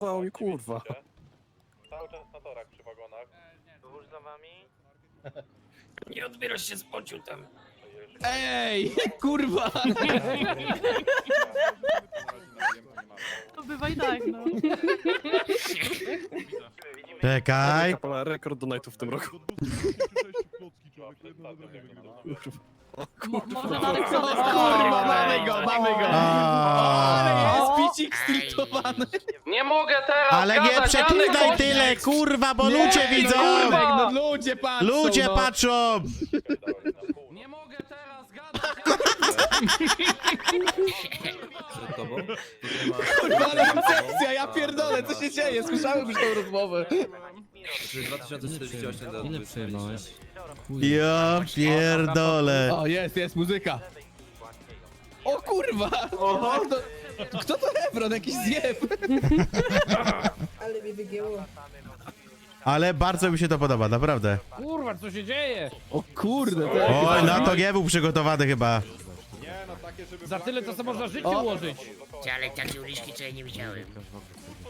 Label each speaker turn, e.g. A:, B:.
A: Mało mi kurwa.
B: Cały czas na torach przy wagonach.
C: Wóz za wami.
D: Nie odbierasz się z pociu tam.
E: Ej, kurwa!
F: To bywa i tak, no.
G: Czekaj.
A: Kapela rekord donate'ów w tym roku.
F: Może nawet co
E: Kurwa, mamy go, mamy go! Ale jest picik stiltowany!
C: Nie mogę teraz
G: Ale nie
C: gadać,
G: przeklinaj
C: Janek,
G: tyle, kurwa, bo
E: Nie,
G: ludzie widzą!
E: Kurwa, no ludzie patrzą!
G: Ludzie
E: no.
G: patrzą!
C: Nie mogę teraz gadać!
H: Przed tobą?
E: Kurwa, ale koncepcja, ja pierdolę, co się dzieje? Słyszałem już tą rozmowę.
H: Czyli 2048 do
I: Ile przejebałeś?
G: Ja pierdolę.
E: O, jest muzyka. O kurwa! Kto to Hebron? Jakiś zjeb!
J: Ale mnie wygięło.
G: Ale bardzo mi się to podoba, naprawdę.
C: Kurwa, co się dzieje?
E: O kurde, to
G: Oj, na to nie był przygotowany chyba.
C: Za tyle to sobie można życie ułożyć.
D: Ale takie uliczki co ja nie widziałem.